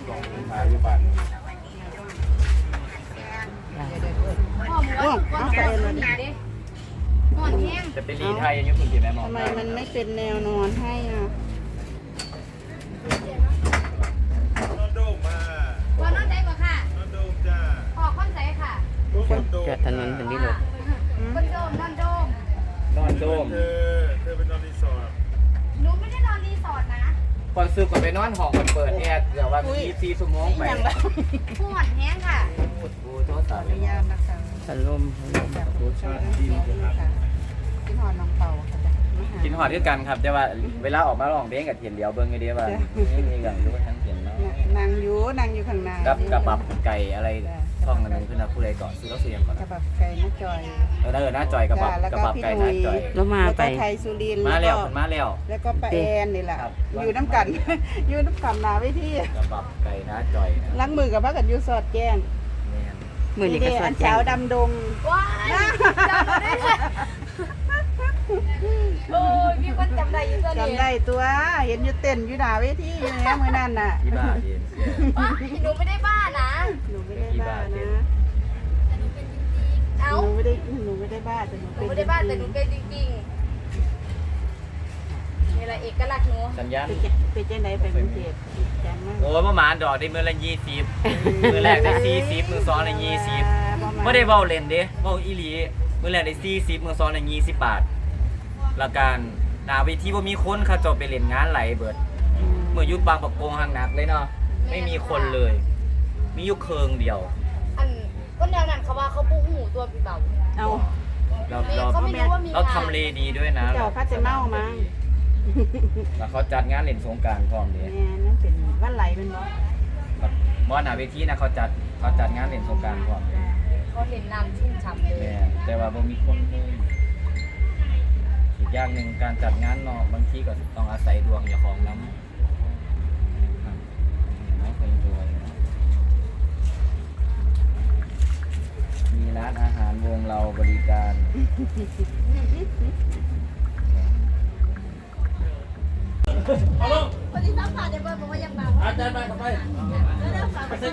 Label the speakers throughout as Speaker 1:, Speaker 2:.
Speaker 1: ลองขายอยู่บ้าน
Speaker 2: พ่อหมูก้อนแก้วหนีดิก่อนแห้ง
Speaker 3: จะเป็นรีไทยยังคุณกินไหมหมอ
Speaker 4: ทำไมมันไม่เป็นแนวนอนให้อ่ะ
Speaker 1: นอนโดมมา
Speaker 2: ก่อนนอนใจกว่าค่ะ
Speaker 1: นอนโดมจ้า
Speaker 2: ออกข้อนใจค่ะ
Speaker 5: เกิดถนนเป็นที่รถ
Speaker 2: บนโดมนอนโดม
Speaker 3: นอนโดม
Speaker 1: เธอเป็นนอนรีสอร์ท
Speaker 2: หนูไม่ได้นอนรีสอร์ทนะ
Speaker 3: ก่อนซื้อก่อนไปนอนห้องก่อนเปิดแอร์เดี๋ยวว่า24 ชั่วโมงไป
Speaker 2: ผู้หอนแห้งค่ะ
Speaker 3: โอ้โทษสา
Speaker 4: ขอ
Speaker 3: ว
Speaker 4: อนุญาตนะคะ
Speaker 5: พัดลม
Speaker 1: รสชาติดีนะครับ
Speaker 4: กินหอดน้องเป่าค่ะจ้ะมาหา
Speaker 3: กินหอดด้วยกันครับแต่ว่าเวลาออกมาลองเพลงกับเทียนเดียวเบิ่งไอเดียว่านี่กับรู้ว่าทั้งเทียนเนาะ
Speaker 4: นางอยู่ข้างใน
Speaker 3: กับบับไก่อะไรช่องกันนึงขึ้นนะผู้ใดก่อนซื้อแล้วซื้อยังก่อน
Speaker 4: กระบับไก่น้าจอย
Speaker 3: หน้าจอยกับบับ
Speaker 4: แล้ว
Speaker 3: กับ
Speaker 4: ก็
Speaker 3: บับ
Speaker 4: พี่
Speaker 3: ไก่
Speaker 4: ห
Speaker 3: หน้า
Speaker 4: นุ่ย
Speaker 3: จอย
Speaker 5: แล้วมา
Speaker 4: แล้ว
Speaker 5: ไป
Speaker 4: ก็ไทยสุรินทร์
Speaker 3: มาแล้วมาแล้ว
Speaker 4: แล้วก็ป้าแอนนี่แหละอยู่น้ำกัน อยู่น้ำกันหนาไว้ที่
Speaker 3: กับบับไก่หน้าจอยนะ
Speaker 4: ล้างมือกับพักกันอยู่สอดแจ้ง
Speaker 3: แม่น
Speaker 5: มือนี่ก็ส
Speaker 4: อั
Speaker 5: ด
Speaker 4: น
Speaker 5: แจ้
Speaker 4: เช้าง ดำดง
Speaker 2: ว้ายจำได้ค่ะโอ้ยมีคนจำได้อยู่ตัวนี้
Speaker 4: จำได้ตัวเห็นอยู่เต้นอยู่หนาเวทีอยู่แล้มือนั่นน่ะ
Speaker 3: ที่บ้านเรียน
Speaker 2: ว้ายหนูไม่ได้บ้านะ
Speaker 4: หนูไม่ได้บ้านะ
Speaker 2: เอ้า
Speaker 4: หนูไม่ได้บ้าแต่หนู
Speaker 2: หนู
Speaker 4: เป็น
Speaker 2: ไม่ได้บ้าแต่หนูเป็นจริงๆนี่แหละเอกลักษณ์หนู
Speaker 3: สัญญาณ
Speaker 4: เป็นจังไดไปกรุงเทพจังมาก
Speaker 3: โอ้ยประมาณดอกได้มือละ20มือแรกได้40มือ2ได้20ไม่ได้เว้าเล่นเด้เว้าอีหลีมือแรกได้40มือ2ได้20 บาทแล้วการหน้าเวทีบ่มีคนเขาจบไปเล่นงานไหลเบิดเมื่อยุคบางประกงห่างหนักเลยเนาะไม่มีคนเลย มีอยู่เคิงเดียว
Speaker 2: อันคนแนวนั้นเขาว่าเขาปูหูตัวพี่เบา
Speaker 4: เอา
Speaker 2: เขาไม่รู้ว่ามี
Speaker 3: เราทำเลดีด้วยนะ
Speaker 4: เจ้าพัดจะเมามั้ง
Speaker 3: แล้วเขาจัดงานเล่นสงกรานต์พร้อมเด้
Speaker 4: แม่นั่นเป็นวันไหลเป็นบ่
Speaker 3: บ่หน้าเวทีนะเขาจัดงานเล่นสงกรานต์พร้อมเด้
Speaker 2: เขาเห็นน้ำชุ่มฉ่ำเลย
Speaker 3: แม่แต่ว่าบ่มีคนเลยอีกอย่างหนึ่งการจัดงานเนาะบางทีก็ต้องอาศัยดวงเจ้าของนำไม่เคยรวยนะมีร้านอาหารวงเราบริการ
Speaker 2: คนที่ซัพพอร์ตในเบอร์บอกว่ายังเบา
Speaker 1: อาจารย์ไปทำไม
Speaker 2: ไปเซ็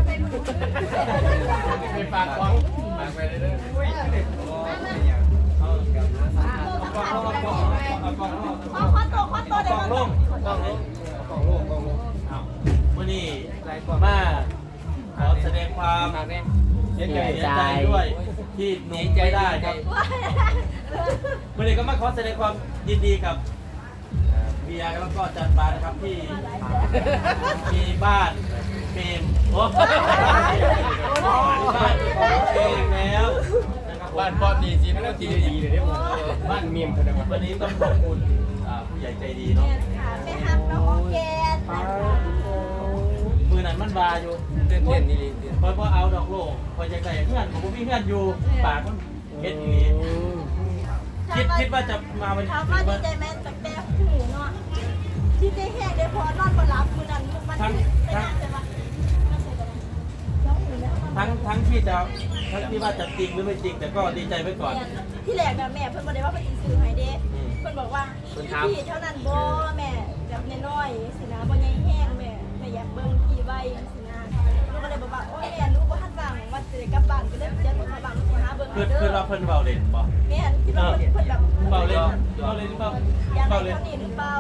Speaker 1: ไปฝากของฝากไปเลยเด้อ
Speaker 2: ข้อโตเดี๋ยว
Speaker 1: กล้องวันนี้มาขอแสดงความเสียใจด้วยที่หนุ่มไม่ได้ครับวันนี้ก็มาขอแสดงความยินดีกับเบียร์แล้วก็จันบานะครับที่มีบ้านเฟรมโอ้บ้านของเฟรมแล้วนะครับบ้านปอดดีจีไม่ต้องจีดีเลยเนี่ยบ้านเมียมวันนี้ต้องขอบคุณผู้ใหญ่ใจดีเนาะ
Speaker 2: ไปทำน้องโอเค
Speaker 1: มือนั้นมันบาอยู่เต้นนี่เพราะเอาดอกโลกพอจะได้เพื่อนผมมีเพื่อนอยู่ปากมันเฮ็ดอย่างนี้คิดว่าจะมาวัน
Speaker 6: ถามว่าดีใจไหมแต่แม่หูเนาะที่ได้แห้งได้พอนอนบนรับมือนั้นมันไม่น่าจะมา
Speaker 1: ทั้งที่จะทั้งที่ว่าจะจริงหรือไม่จริงแต่ก็ดีใจไว้ก่อน
Speaker 6: ที่แรกนะแม่เพิ่นบอกได้ว่าเป็นซื้อให้เด้เพิ่นบอกว่าพี่เท่านั้นบ่แม่แบบน้อยๆสินะบ่ใหญ่แห้งแม่อยากเบิ่งพี่ไว้สินะลูกก็เลยบอกว่าโอ้ยแม่ลูกบ่ทันว่างว่าสิได้กลับบ้านก็เลยจะมาบ้านสิหาเบิ่ง
Speaker 1: คือ
Speaker 6: เด้
Speaker 1: คือ
Speaker 6: อ
Speaker 1: เราเพิ่นเบาเล่นบ่
Speaker 6: แม่คิดว่าเพิ่นแบบ
Speaker 1: เบาเล่นหรือเปล่า
Speaker 6: อยาก
Speaker 1: เบา
Speaker 6: ได้
Speaker 1: เล่น
Speaker 6: เท่านี้หรือเปล่า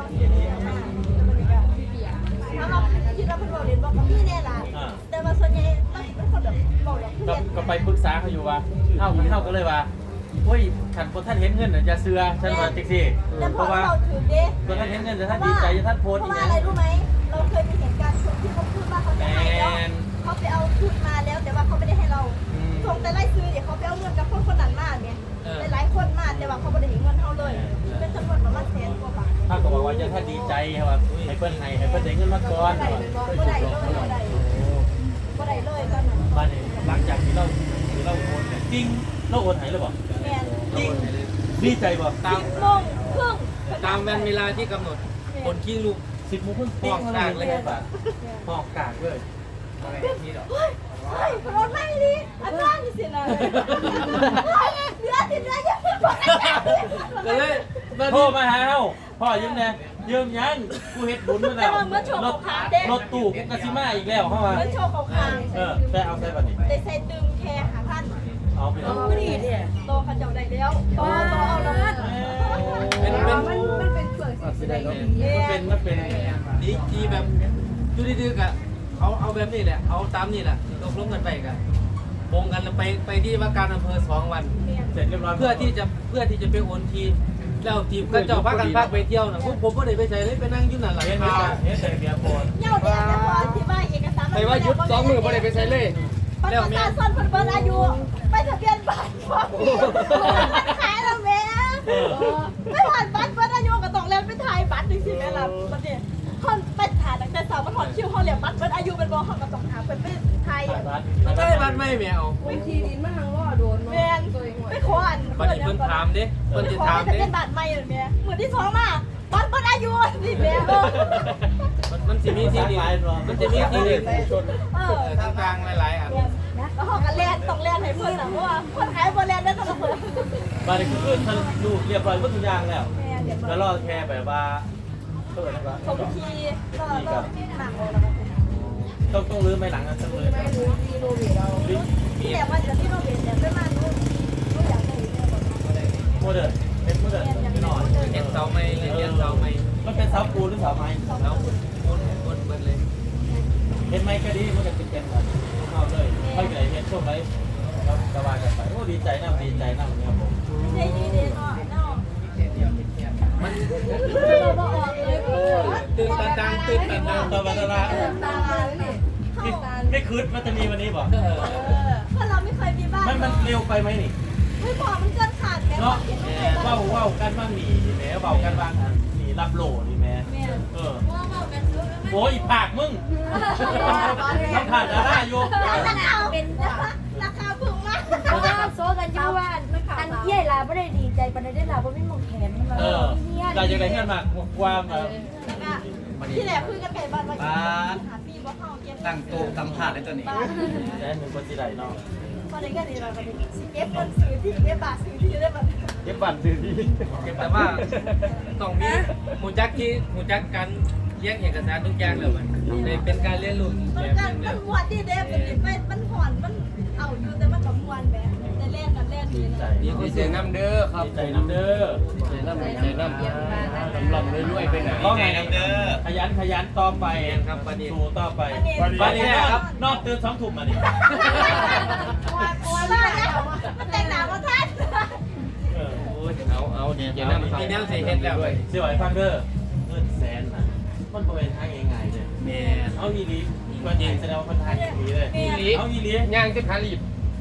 Speaker 6: ถ้าเราคิดว่าเพิ่นบอกเล่นบอกกับพี่แน่ล่ะแต่ว่าส่วนใหญ่เราเป็นคนแบบบอกแบบเพื่อน
Speaker 1: ก็ไปปรึกษาเขาอยู่ว่าเท่าก็เลยว่าโอ้ยขันคนท่านเห็นเงินอย่าเสือฉันว่าจังซี่
Speaker 6: แต่พ
Speaker 1: เพ
Speaker 6: อ
Speaker 1: ราะว่า
Speaker 6: เราถือเด้
Speaker 1: คนท่านเห็นเงินแต่ท่านดีใจท่านโพสต์
Speaker 6: เพ
Speaker 1: อี
Speaker 6: ราะ
Speaker 1: ก
Speaker 6: ว่า
Speaker 1: อย่าง
Speaker 6: อะไรรู้ไหมเราเคยมีเหตุการณ์คนที่เขาพูดว่าเขาจะให้แล้วเขาไปเอาทุนมาแล้วแต่ว่าเขาไม่ได้ให้เราส่งแต่ไล่ซื้อเดี๋ยวเขาไปเอาเงินกับคนนั้นมาเนี่ยหลายคนมาแต่ว่าเขาไม่ได้เห็นเงินเขาเลยเป็นจำนวนประมาณ100,000 กว่าบาท
Speaker 1: ถ้าก็บอกว่าจะท่านดีใจครับให้เพิ่นได้เงินมาก่อน
Speaker 6: บ่ได้เลยบ่ได้เลยตอนนั้น
Speaker 1: บ้านนี้หลังจากที่เราโอนเนี่ยจริงเราโอนให้หรือเปล่า
Speaker 6: แม่น
Speaker 1: จริงดีใจบ่ตาม
Speaker 6: 10 โมงครึ่ง
Speaker 3: ตามเวลาที่กำหนดคนขี้ลูก
Speaker 1: 10 โมงครึ่งห้องกลางเลยครับห้องกลางเลย
Speaker 6: เฮ้ยรถไม่ดีอาจารย์สินะเดือดยังไม่พอ
Speaker 1: ก็เลยโทรมาหาเฮาพ่อยิ้มแน่เยิ่มยังกูเฮ็ดบุญมา
Speaker 6: แต่
Speaker 1: แล้ว
Speaker 6: ว่าเมื่อโชว์ของขาเด้
Speaker 1: รถตู้กูกะสิมาอีกแล้วเข้ามา
Speaker 6: เมื่อโชว์ของขา
Speaker 1: แต่เอาใส่บัดนี้
Speaker 6: ได้ใส่ตึงแค่หาพัน
Speaker 1: เอาไปเอา
Speaker 6: โตเขาเจ้าได้แล้วโตเอาแล้ว
Speaker 2: มันเป็นเปลือกสีแดง
Speaker 1: มันเป็น
Speaker 7: ดีแบบดูดื้อๆกะเขาเอาแบบนี้แหละเอาตามนี่แหละตกลงกันไปกันโงกันแล้วไปที่ว่าการอำเภอ2 วัน
Speaker 1: เสร็จเรียบร้อย
Speaker 7: เพื่อที่จะไปโอนทีแล้วทีมก็เจ้าพักกันพักไปเที่ยวนะพวกผมก็เลยไปใส่เลยไปนั่งอยู่นั่นหลัง
Speaker 1: เฮ็ด
Speaker 7: คา
Speaker 1: เฮ็ดใส่เบียร์โพน
Speaker 6: เงาเดียวแต่พอที่ว่าเอกสาร
Speaker 7: ไปว่ายุด2 มือบ่ได้ไปใส่เลย
Speaker 6: บัตรประชาชนเพิ่นอายุไปทะเบียนบ้านพร้อมขายแล้วแม่ไม่ผ่านบัตรเพิ่นอายุก็ต้องเล่นไปถ่ายบัตรจังซี่แม่ล่ะบัดนี้เฮาไปถ่ายตั้งแต่เช้ามาถอดคิวเฮาเรียกบัตรเพิ่นอายุเป็นบ่เฮาก็ต้องหาเพิ่นไปถ่าย
Speaker 7: ใช่บ้านไม่แมว
Speaker 2: วิธีดินมันทั้งล่อโดน
Speaker 6: แม่นไปขออัน
Speaker 7: บัดนี้เพิ่นถามเด้เพิ่นจะ
Speaker 6: ขอ
Speaker 7: ถาม
Speaker 6: ทะ
Speaker 7: เด้
Speaker 6: เบียนบ้านใหม่เลยแม่มื้อที่2มาบัตรเพิ่นอายุสิแม่
Speaker 7: มันสิมีที่ดินมันจะมีที่ดินชน
Speaker 6: ก
Speaker 7: ลางๆหลายๆอัน
Speaker 6: แล้วเฮาก็แล่นต้องแล่นให้เพิ่นน่ะเพราะว่าคนขายบ่แล่นได้ต้องเพิ่น
Speaker 1: บัดนี้คือทะลุเรียบร้อยหมดทุกอย่างแล้ว
Speaker 6: แม่เดี๋ยว
Speaker 1: แล้วรอแค่แบบว่าเปิดนะครับ
Speaker 6: สมทีแล้วหนังแล้วก็
Speaker 1: ต้องรื้อไม่หลังกันสักเลย
Speaker 2: ไม่รู้ดีโนเวทเรา
Speaker 6: ที่แต่ว่าจะที่เราเห็นเนี่ยเป็นมารู้อยากได้เนี่ยบอก
Speaker 1: โมเดิร์นเป็นโมเดิร์นหน่อย
Speaker 7: เลี้ยงเสาไม้เลี้ยงเสาไม้
Speaker 1: มันเป็นเสาปูนหรือเสาไม้
Speaker 7: เสาคนเบิดเลย
Speaker 1: เห็นไหมก็ดีมันจะติดกันกันเอาเลยไม่เกิดเห็นช่วงไหนครับสบายกันไปโอ้ดีใจนะดีใจนะวันนี้ผม
Speaker 6: ใจดีเด่นเนาะเนาะเราบอกออกเลยคือ
Speaker 7: ตื่นตันตื่นตัน
Speaker 1: ตอนวันละ
Speaker 2: ตาเนี่ย
Speaker 1: ไม่คืดมันจะมีวันนี้บ่
Speaker 6: เพราะเราไม่เคยมีบ้าน
Speaker 1: มันเร็วไปไหมนี่
Speaker 6: ไม่บอกมันเกินขาดแม่
Speaker 1: เนาะว่ากันบ้างหนีแม่เบากันบ้างหนีรับโหลนี่แม่โอ้ยผากมึงต้องผ่านดาราอยู่
Speaker 6: เป็นราคาพึงมาก
Speaker 2: เพราะว่าโซกันอยู่ว่าอันเย่ลาไม่ได้ดีใจปานได้ลาเพราะไม่มองแขนมันมา
Speaker 1: เราจะได้เงินมากความ
Speaker 6: ที่แหลคุยกันไก่บ้านว่าหาปีบ่เข้าเก็บ
Speaker 3: ตั้งโต๊ะสัมภาษณ์ในตัวนี้
Speaker 1: แต่หนึ่งคนที่ไหนเนาะ
Speaker 6: พอได้กันนี่เราก็ได้เก็บเงินซื้อที่เก็บบาทซื้อที่ได้บัตร
Speaker 1: เก็บบัตรซื้อที่
Speaker 7: แต่ว่าต้องมีหูจักกันเลี้ยงเอกสารทุกอย่างเลยมันเป็นการเรียนรู้
Speaker 6: มันกันมันมวนที่เด้เป็นไปมันห่อนมันเอาอยู่แต่มันกับมวนแบบแต่เล่นกันเล่นดี
Speaker 1: ใจ
Speaker 7: มีคนเสียน้ำเด้อครับ
Speaker 1: ใจน้ำเด้อ
Speaker 7: เสียน้ำสำหรับรวยๆไปไหน
Speaker 1: ก็ไงน้ำเด้อขยันต่อไปครับปฏิสูต่อไปวันนี้ครับนอกตื่น2 ทุ่มมาดิ
Speaker 6: ว่าแล้วมันแต่งหนาว่าท่าน
Speaker 7: เอาดีเจน้ำมีแนวเสียเฮ็ดแล้วเว้ย
Speaker 1: เสียไหวฟังเด้อเงินแสนนะมันบริเวณทางง่ายๆเลย
Speaker 7: แม่
Speaker 1: เอาอีลีมันยิงแสดงว่าคนไทยอีลีเลยเอาอีลี
Speaker 7: ย่างจะขาลีบ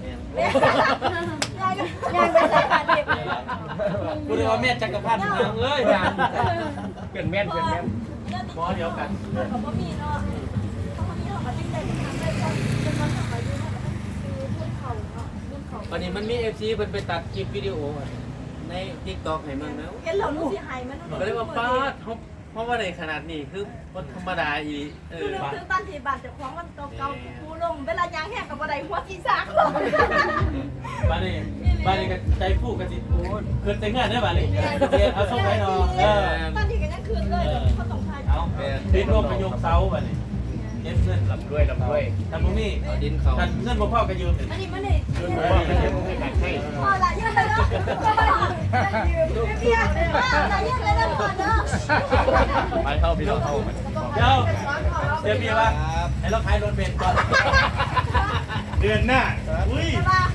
Speaker 6: ยังไม่ใส่ขาดเด็บ
Speaker 1: กูเรียกว่าแม่จักรพันธ์เมืองเอ้ย
Speaker 7: เป็นแม่น
Speaker 1: หมอเดียวกัน
Speaker 6: เขาก็มีเนาะเขาก็มีเขาก็ตั้งใจทำได้ก็เป็นคนของอายุเนาะคือรุ่นเขาเนาะรุ่นเขา
Speaker 7: วันนี้มันมี FC เพิ่นไปตัดคลิปวิดีโอใน TikTok ให้มันแล้ว
Speaker 6: เห็นเราลูกสิหายมัน
Speaker 7: ก็เลยว่าป้าเพราะว่าในขนาดนี้คือคนธรรมดาอีเอ
Speaker 6: คือ
Speaker 7: อ
Speaker 6: นึกถึงตอนที่บาดเจ็บของมันเก่าๆกูลงเวลายางแห้งกับบันไดหัวที่สาก
Speaker 1: บ้านนี้ก็ใจฟูกันสิเกิดแต่งงานได้บ้านนี้เอาส่งให้น้อง
Speaker 6: ตอนที่กันยังคืนเลยเขาต้องทาย
Speaker 1: เอาดินรวมกันยกเสาบ้านนี้เก็บเงินลำด้วยทำตรงนี้
Speaker 7: เอาดินเขา
Speaker 1: กันเงินบ่พอกันยืม
Speaker 6: อันนี้มันเลย
Speaker 1: ยืมบ่พอกันยืมให้กันให้
Speaker 6: พอละยืมเลยเนาะยืมเบี้ยละยืมเลยนะพอเนาะ
Speaker 3: ไปเข้าพี่น้องเข้า
Speaker 1: เดี๋ยวพี่ว่าให้เราขายรถเบนซ์ก่อนเดือนหน้าอุ้ย
Speaker 6: ว่า